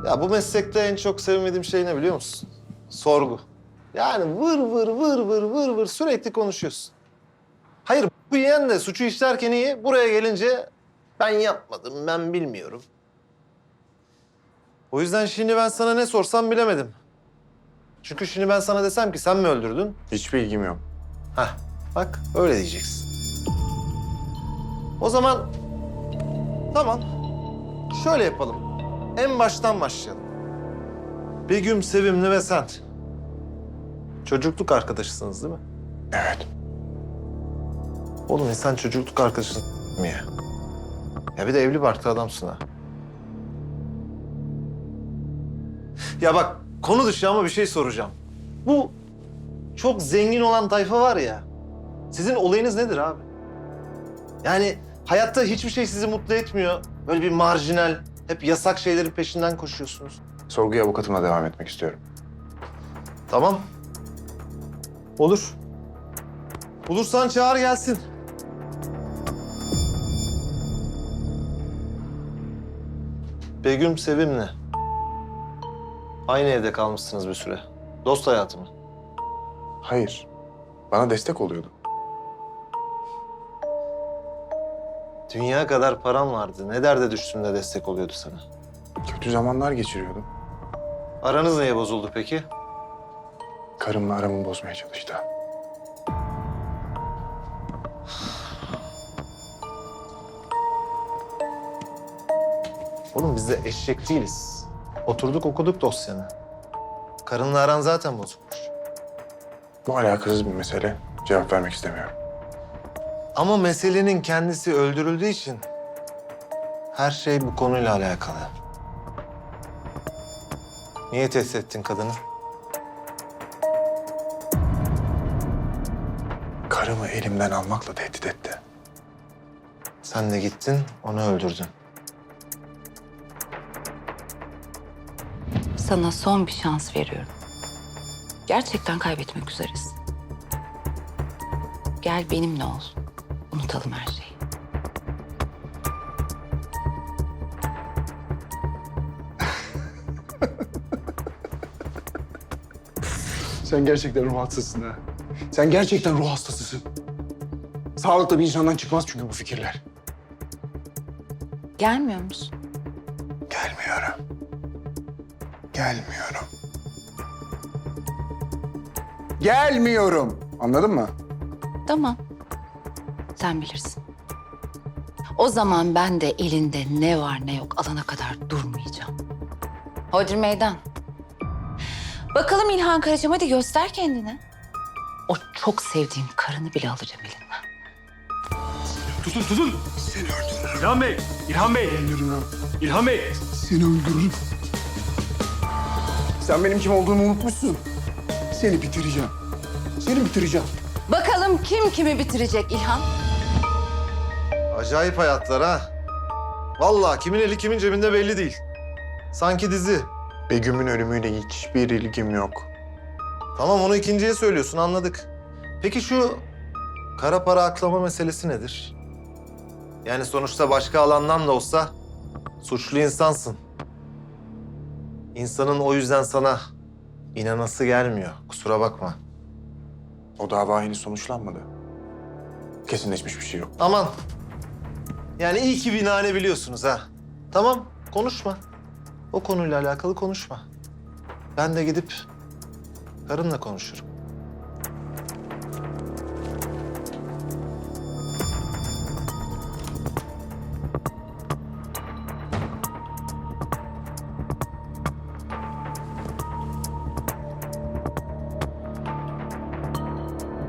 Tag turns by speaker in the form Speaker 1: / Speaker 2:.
Speaker 1: Ya bu meslekte en çok sevmediğim şey ne biliyor musun? Sorgu. Yani vır vır vır vır vır vır sürekli konuşuyorsun. Hayır bu yeğen de suçu işlerken iyi. Buraya gelince ben yapmadım, ben bilmiyorum. O yüzden şimdi ben sana ne sorsam bilemedim. Çünkü şimdi ben sana desem ki sen mi öldürdün?
Speaker 2: Hiçbir ilgim yok.
Speaker 1: Hah bak öyle diyeceksin. O zaman tamam şöyle yapalım. En baştan başlayalım. Begüm, Sevimli ve sen. Çocukluk arkadaşısınız değil mi?
Speaker 2: Evet.
Speaker 1: Oğlum insan çocukluk arkadaşın mı ya? Ya bir de evli barklı adamsın ha. Ya bak konu dışı ama bir şey soracağım. Bu çok zengin olan tayfa var ya. Sizin olayınız nedir abi? Yani hayatta hiçbir şey sizi mutlu etmiyor. Böyle bir marjinal, hep yasak şeylerin peşinden koşuyorsunuz.
Speaker 2: Sorguya avukatımla devam etmek istiyorum.
Speaker 1: Tamam. Olur. Bulursan çağır gelsin. Begüm Sevim'le. Aynı evde kalmışsınız bir süre. Dost hayatı mı?
Speaker 2: Hayır. Bana destek oluyordu.
Speaker 1: Dünya kadar param vardı. Ne derde düştüğünde destek oluyordu sana.
Speaker 2: Kötü zamanlar geçiriyordum.
Speaker 1: Aranız neye bozuldu peki?
Speaker 2: Karımla aramı bozmaya çalıştı.
Speaker 1: Oğlum biz de eşek değiliz. Oturduk okuduk dosyanı. Karınla aran zaten bozukmuş.
Speaker 2: Bu alakasız bir mesele. Cevap vermek istemiyorum.
Speaker 1: Ama meselenin kendisi öldürüldüğü için her şey bu konuyla alakalı. Niye tehdit ettin kadını?
Speaker 2: Karımı elimden almakla tehdit etti.
Speaker 1: Sen de gittin, onu öldürdün.
Speaker 3: Sana son bir şans veriyorum. Gerçekten kaybetmek üzeresin. Gel benimle ol. Unutalım her şeyi.
Speaker 2: Sen gerçekten ruh hastasısın ha. Sen gerçekten ruh hastasısın. Sağlıklı bir insandan çıkmaz çünkü bu fikirler.
Speaker 3: Gelmiyor musun?
Speaker 2: Gelmiyorum. Gelmiyorum. Gelmiyorum. Anladın mı?
Speaker 3: Tamam. Sen bilirsin. O zaman ben de elinde ne var ne yok alana kadar durmayacağım. Hodri meydan. Bakalım İlhan Karacığım, hadi göster kendini. O çok sevdiğin karını bile alacağım elinden.
Speaker 4: Tutun.
Speaker 2: Seni öldürürüm.
Speaker 4: İlhan Bey, İlhan Bey,
Speaker 2: Öldürürüm.
Speaker 4: İlhan Bey.
Speaker 2: Seni öldürürüm. Sen benim kim olduğumu unutmuşsun. Seni bitireceğim. Seni bitireceğim.
Speaker 3: Bakalım kim kimi bitirecek İlhan?
Speaker 1: Acayip hayatlar ha. Vallahi kimin eli kimin cebinde belli değil. Sanki dizi.
Speaker 2: Begüm'ün ölümüyle hiçbir ilgim yok.
Speaker 1: Tamam onu ikinciye söylüyorsun anladık. Peki şu kara para aklama meselesi nedir? Yani sonuçta başka alandan da olsa suçlu insansın. İnsanın o yüzden sana inanası gelmiyor. Kusura bakma.
Speaker 2: O dava henüz sonuçlanmadı. Kesinleşmiş bir şey yok.
Speaker 1: Aman. Yani iyi ki binane biliyorsunuz ha. Tamam konuşma. O konuyla alakalı konuşma. Ben de gidip karımla konuşurum.